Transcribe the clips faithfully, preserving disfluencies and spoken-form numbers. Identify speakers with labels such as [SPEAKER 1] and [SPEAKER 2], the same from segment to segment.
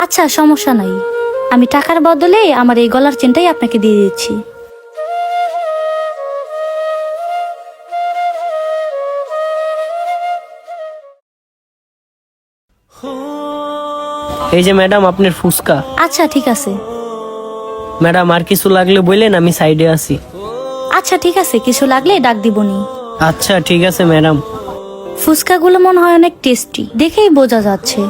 [SPEAKER 1] আচ্ছা সমস্যা নাই, আমি টাকার বদলে আমার এই গলার চেনটাই আপনাকে দিয়ে দিচ্ছি।
[SPEAKER 2] এই যে ম্যাডাম আপনার ফুসকা।
[SPEAKER 1] আচ্ছা ঠিক আছে।
[SPEAKER 2] ম্যাডাম আর কিছু লাগলে বললেন, আমি সাইডে আছি।
[SPEAKER 1] আচ্ছা ঠিক আছে, কিছু লাগলে ডাক দিবনি।
[SPEAKER 2] আচ্ছা ঠিক আছে ম্যাডাম।
[SPEAKER 1] ফুচকাগুলো মনে হয় অনেক টেস্টি, দেখেই বোঝা যাচ্ছে।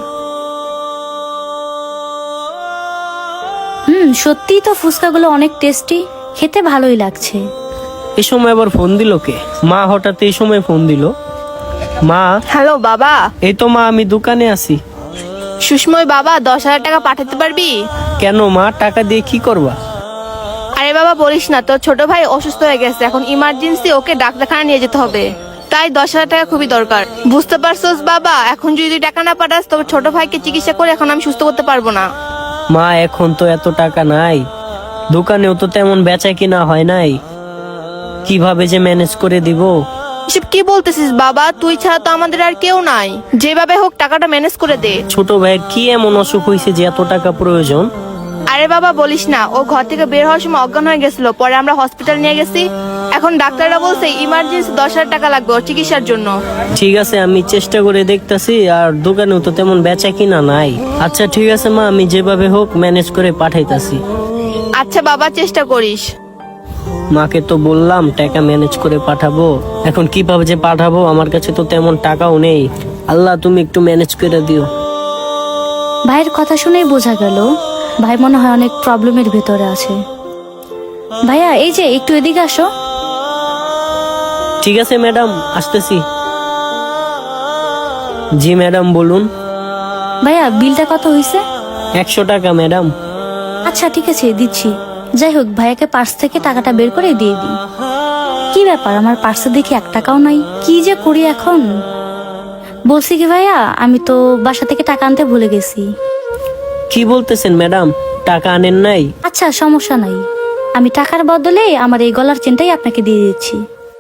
[SPEAKER 1] হুম, সত্যিই তো ফুচকাগুলো অনেক টেস্টি, খেতে ভালোই লাগছে।
[SPEAKER 2] এই সময় আবার ফোন দিল কে? মা হঠাৎ এই সময় ফোন দিল। মা।
[SPEAKER 3] হ্যালো বাবা।
[SPEAKER 2] এই তো মা, আমি দোকানে আছি।
[SPEAKER 3] সুষময় বাবা, দশ হাজার টাকা পাঠাতে পারবি?
[SPEAKER 2] কেন মা, টাকা দিয়ে কি করবা?
[SPEAKER 3] আরে বাবা বলিস না, তোর ছোট ভাই অসুস্থ হয়ে গেছে, এখন ইমার্জেন্সি ওকে ডাক্তারখানা নিয়ে যেতে হবে, তাই দশ হাজার টাকা খুবই দরকার। বুঝতে পারছোস বাবা, এখন যদি তুই টাকা না পাঠাস তবে ছোট ভাইকে চিকিৎসা করে এখন আমি সুস্থ করতে পারবো না।
[SPEAKER 2] মা এখন তো এত টাকা নাই, দোকানেও তো তেমন বেচা কিনা হয় নাই, কিভাবে যে ম্যানেজ করে দিব?
[SPEAKER 3] এসব কি বলতেছিস বাবা, তুই ছাড়া তো আমাদের আর কেউ নাই, যেভাবে হোক টাকাটা ম্যানেজ করে দে।
[SPEAKER 2] ছোট ভাইয়ের কি এমন অসুখ হয়েছে যে এত টাকা প্রয়োজন?
[SPEAKER 3] আরে বাবা বলিস না, ও ঘর থেকে বের হওয়ার সময় অজ্ঞান হয়ে গেছিল, পরে আমরা হসপিটাল নিয়ে গেছি, এখন ডাক্তাররা বলছে ইমার্জেন্সি দশ হাজার টাকা লাগবে ওর চিকিৎসার জন্য।
[SPEAKER 2] ঠিক আছে, আমি চেষ্টা করে দেখতাছি, আর দোকানেও তো তেমন বেচা কিনা নাই। আচ্ছা ঠিক আছে মা, আমি যেভাবে হোক ম্যানেজ করে পাঠাইতাছি।
[SPEAKER 3] আচ্ছা বাবা, চেষ্টা করিস।
[SPEAKER 2] মাকে তো বললাম টাকা ম্যানেজ করে পাঠাবো, এখন কিভাবে যে পাঠাবো, আমার কাছে তো তেমন টাকাও নেই। আল্লাহ তুমি একটু ম্যানেজ করে দিও।
[SPEAKER 1] ভাইয়ের কথা শুনেই বোঝা গেল ভাই মনে হয় অনেক প্রবলেমের ভেতরে আছে। ভাইয়া এই যে একটু এদিকে আসো।
[SPEAKER 2] ঠিক আছে ম্যাডাম, আসতেছি। জি ম্যাডাম বলুন।
[SPEAKER 1] ভাইয়া বিলটা কত হয়েছে?
[SPEAKER 2] একশো টাকা ম্যাডাম।
[SPEAKER 1] আচ্ছা ঠিক আছে দিচ্ছি। যাই হোক, ভাইয়াকে পার্স থেকে টাকাটা বের করে দিয়ে দিই। কি ব্যাপার, আমার পার্সে দেখি এক টাকাও নাই, কি যে করি এখন। বলছি কি ভাইয়া, আমি তো বাসা থেকে টাকা আনতে ভুলে গেছি।
[SPEAKER 2] কি বলতেছেন ম্যাডাম, টাকা আনেন নাই?
[SPEAKER 1] আচ্ছা সমস্যা নাই, আমি টাকার বদলে আমার এই গলার চেনটাই আপনাকে দিয়ে দিচ্ছি।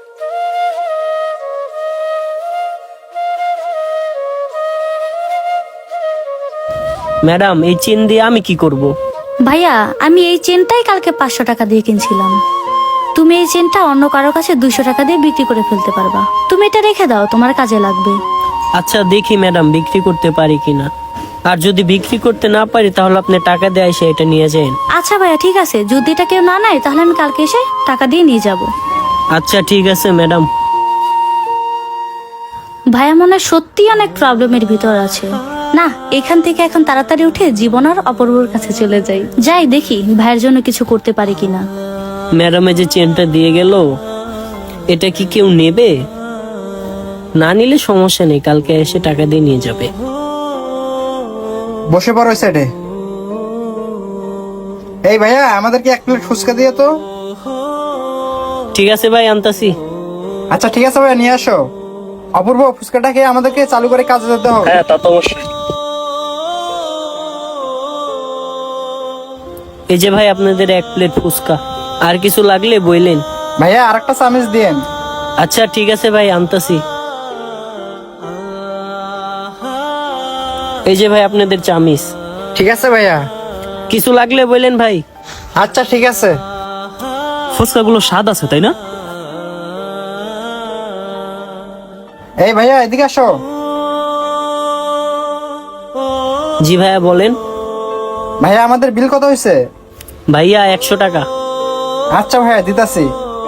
[SPEAKER 2] ম্যাডাম এই চেন দিয়ে আমি কি করব?
[SPEAKER 1] ভাইয়া আমি এই চেনটাই কালকে পাঁচশো টাকা দিয়ে কিনছিলাম, তুমি এই চেনটা অন্য কারো কাছে দুইশো টাকা দিয়ে বিক্রি করে ফেলতে পারবা, তুমি এটা রেখে দাও, তোমার কাজে লাগবে।
[SPEAKER 2] আচ্ছা দেখি ম্যাডাম বিক্রি করতে পারি কিনা, আর যদি বিক্রি করতে না পারি তাহলে আপনি টাকা দিয়ে এসে এটা নিয়ে যান।
[SPEAKER 1] আচ্ছা ভাইয়া ঠিক আছে, যদি এটা কেউ না নেয় তাহলে আমি কালকে এসে টাকা দিয়ে নিয়ে যাব।
[SPEAKER 2] আচ্ছা ঠিক আছে ম্যাডাম।
[SPEAKER 1] ভাইয়া মনে হয় সত্যি অনেক প্রবলেমের ভিতর আছে। না, এখান থেকে এখন তাড়াতাড়ি উঠে জীবন আর অপূর্বর কাছে চলে যাই, যাই দেখি ভাইয়ের জন্য কিছু করতে পারি কিনা।
[SPEAKER 2] ম্যাডামে যে চেনটা দিয়ে গেল, এটা কি কেউ নেবে? না নিলে সমস্যা নেই, কালকে এসে টাকা দিয়ে নিয়ে যাবে।
[SPEAKER 4] বসে পড়ো সাইডে। এই ভাইয়া, আমাদেরকে এক প্লেট ফুচকা দিয়ে তো।
[SPEAKER 2] ঠিক আছে ভাই, আনতাছি।
[SPEAKER 4] আচ্ছা ঠিক আছে ভাইয়া, নিয়ে আসো। অপূর্ব, ফুচকাটা খেয়ে আমাদেরকে চালু করে কাজে যেতে হবে।
[SPEAKER 2] হ্যাঁ তা তো অবশ্যই। এই যে ভাই আপনাদের এক প্লেট ফুচকা, আর কিছু লাগলে বইলেন।
[SPEAKER 4] ভাইয়া আর একটা চামিচ দিয়েন।
[SPEAKER 2] আচ্ছা ঠিক আছে ভাই, আনতাছি। এই যে ভাই আপনাদের চামিস।
[SPEAKER 4] ঠিক আছে ভাইয়া।
[SPEAKER 2] কিছু লাগলে বললেন ভাই।
[SPEAKER 4] আচ্ছা ঠিক আছে।
[SPEAKER 5] ফুচকাগুলো স্বাদ আছে তাই না?
[SPEAKER 4] এই ভাইয়া এদিকে আসো।
[SPEAKER 2] জি ভাইয়া বলেন।
[SPEAKER 4] ভাইয়া আমাদের বিল কত হয়েছে?
[SPEAKER 2] ভাইয়া একশো টাকা।
[SPEAKER 4] আচ্ছা ভাইয়া দিতাছি।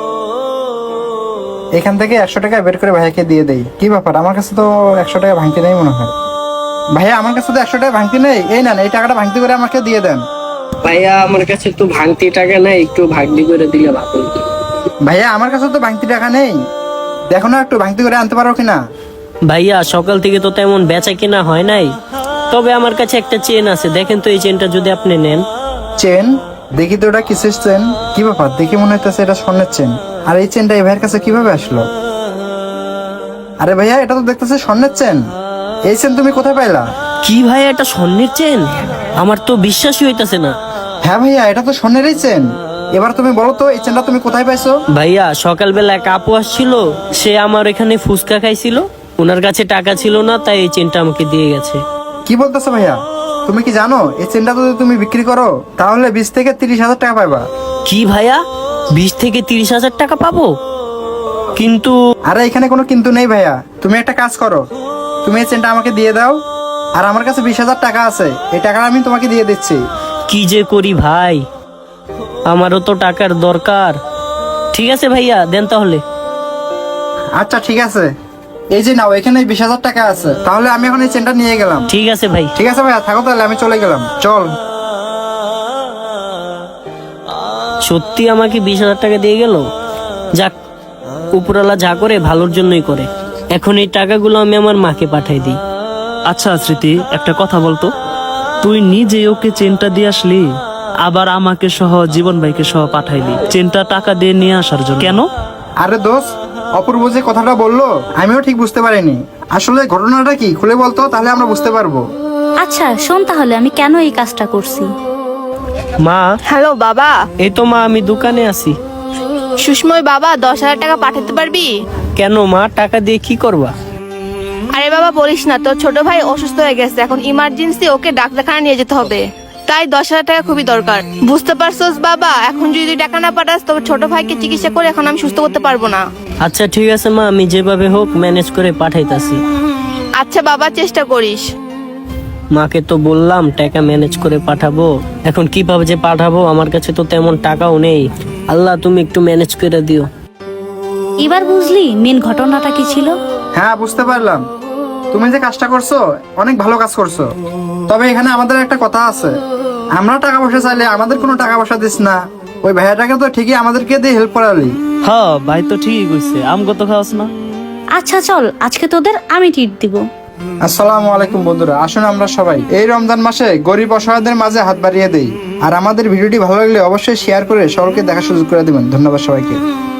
[SPEAKER 4] এখান থেকে একশো টাকা বের করে ভাইয়াকে দিয়ে দেই। কি ব্যাপার, আমার কাছে তো একশো টাকা ভাঙতি নেই মনে হয়। ভাইয়া আমার কাছে তো একশো টাকা ভাঙতি নেই, এই নেন, এই টাকাটা ভাঙতি করে আমাকে দিয়ে দেন।
[SPEAKER 2] ভাইয়া আমার কাছে একটু ভাঙতি টাকা নাই, একটু ভাগনি করে দিলে ভালো হতো।
[SPEAKER 4] ভাইয়া আমার কাছে তো ভাঙতি টাকা নেই, দেখো না একটু ভাঙতি করে আনতে পারো কিনা।
[SPEAKER 2] ভাইয়া সকাল থেকে তো তেমন বেচা কিনা হয় নাই, তবে আমার কাছে একটা চেন আছে, দেখেন তো এই চেনটা যদি আপনি নেন।
[SPEAKER 4] চেন? দেখি তো ওটা কিসের চেন। কি ব্যাপার, দেখি মনে হইতেছে এটা স্বর্ণের চেন। আর এই চেনটা এই ভাইয়ের কাছে কিভাবে আসলো? আরে ভাইয়া, এটা তো দেখতেছে স্বর্ণের চেন। এই চেন তুমি কোথায় পাইলা?
[SPEAKER 2] কি ভাইয়া, এটা স্বর্ণের চেন? আমার তো বিশ্বাসই হইতাছে না।
[SPEAKER 4] হ্যাঁ ভাইয়া, এটা তো স্বর্ণেরই চেন। এবার তুমি বলো তো এই চেনটা তুমি কোথায় পাইছো?
[SPEAKER 2] ভাইয়া সকালবেলা এক আপু আসছিল, সে আমার এখানে ফুচকা খাইছিল, ওনার কাছে টাকা ছিল না, তাই এই চেনটা আমাকে দিয়ে গেছে।
[SPEAKER 4] কি বলতেছো ভাইয়া? তুমি কি জানো এই চেনটা যদি তুমি বিক্রি করো তাহলে বিশ থেকে তিরিশ হাজার টাকা পাইবা।
[SPEAKER 2] কি ভাইয়া, বিশ থেকে তিরিশ হাজার টাকা পাবো? কিন্তু
[SPEAKER 4] আরে এখানে কোনো কিন্তু নেই ভাইয়া, তুমি একটা কাজ করো, তুমি এই চেনটা আমাকে দিয়ে দাও, আর আমার কাছে বিশ হাজার টাকা আছে, এই টাকাটা আমি তোমাকে দিয়ে দিচ্ছি।
[SPEAKER 2] কি যে করি ভাই, আমারও তো টাকার দরকার। ঠিক আছে ভাইয়া, দেন তাহলে।
[SPEAKER 4] আচ্ছা ঠিক আছে, এই যে নাও, এখানে বিশ হাজার টাকা আছে, তাহলে আমি এখন এই চেনটা নিয়ে গেলাম।
[SPEAKER 2] ঠিক আছে ভাই।
[SPEAKER 4] ঠিক আছে ভাইয়া, থাকো তাহলে, আমি চলে গেলাম, চল।
[SPEAKER 2] সত্যি আমাকে বিশ হাজার টাকা দিয়ে গেল। যাক, উপরওয়ালা যা করে ভালোর জন্যই করে। এখন এই টাকাগুলো আমি আমার মাকে পাঠাই দিই।
[SPEAKER 5] আচ্ছা স্মৃতি, একটা কথা বলতো, তুই নিজে ওকে চেনটা দিয়ে আসলি, আবার আমাকে সহ জীবন ভাইকে সহ পাঠাইলি চেনটা টাকা দিয়ে নিয়ে আসার জন্য, কেন?
[SPEAKER 4] আরে দোস্ত, অপূর্ব যে কথাটা বললো আমিও ঠিক বুঝতে পারিনি, আসলে ঘটনাটা কি খুলে বলতো, তাহলে আমরা বুঝতে পারবো।
[SPEAKER 1] আচ্ছা শোন তাহলে আমি কেন এই কাজটা করছি।
[SPEAKER 2] মা,
[SPEAKER 3] হ্যালো বাবা।
[SPEAKER 2] এই তো মা, আমি দোকানে আছি।
[SPEAKER 3] সুষময় বাবা, দশ হাজার টাকা পাঠাতে পারবি?
[SPEAKER 2] কেন মা, টাকা দিয়ে কি করবা?
[SPEAKER 3] আরে বাবা বলিস না, তোর ছোট ভাই অসুস্থ হয়ে গেছে, এখন ইমার্জেন্সি ওকে ডাক্তারখানা নিয়ে যেতে হবে, তাই দশ হাজার টাকা খুবই দরকার। বুঝতে পারছোস বাবা, এখন যদি তুই টাকা না পাঠাস তবে ছোট ভাইকে চিকিৎসা করে এখন আমি সুস্থ করতে পারবো না।
[SPEAKER 2] আচ্ছা ঠিক আছে মা, আমি যেভাবে হোক ম্যানেজ করে পাঠাইতাছি।
[SPEAKER 3] আচ্ছা বাবা, চেষ্টা করিস।
[SPEAKER 2] মাকে তো বললাম টাকা ম্যানেজ করে পাঠাবো, এখন কিভাবে যে পাঠাবো, আমার কাছে তো তেমন টাকাও নেই। আল্লাহ তুমি একটু ম্যানেজ করে দিও।
[SPEAKER 1] এবার বুঝলি মেন ঘটনাটা কি ছিল?
[SPEAKER 4] হ্যাঁ বুঝতে পারলাম, তুমি যে কাজটা করছো অনেক ভালো কাজ করছো, তবে এখানে আমাদের একটা কথা আছে, আমরা টাকা পয়সা চাইলে আমাদের কোনো টাকা পয়সা দিস না, ওই ভাইয়াটাকে তো ঠিকই আমাদেরকে দিয়ে হেল্প করালি।
[SPEAKER 5] হ্যাঁ ভাই তো ঠিকই কইছে, আমগো তো খাওয়াস না।
[SPEAKER 1] আচ্ছা চল, আজকে তোদের আমি ট্রিট দিব।
[SPEAKER 4] আসসালামু আলাইকুম বন্ধুরা, আসুন আমরা সবাই এই রমজান মাসে গরিব অসহায়দের মাঝে হাত বাড়িয়ে দেই। আর আমাদের ভিডিওটি ভালো লাগলে অবশ্যই শেয়ার করে সকলকে দেখার সুযোগ করে দিবেন। ধন্যবাদ সবাইকে।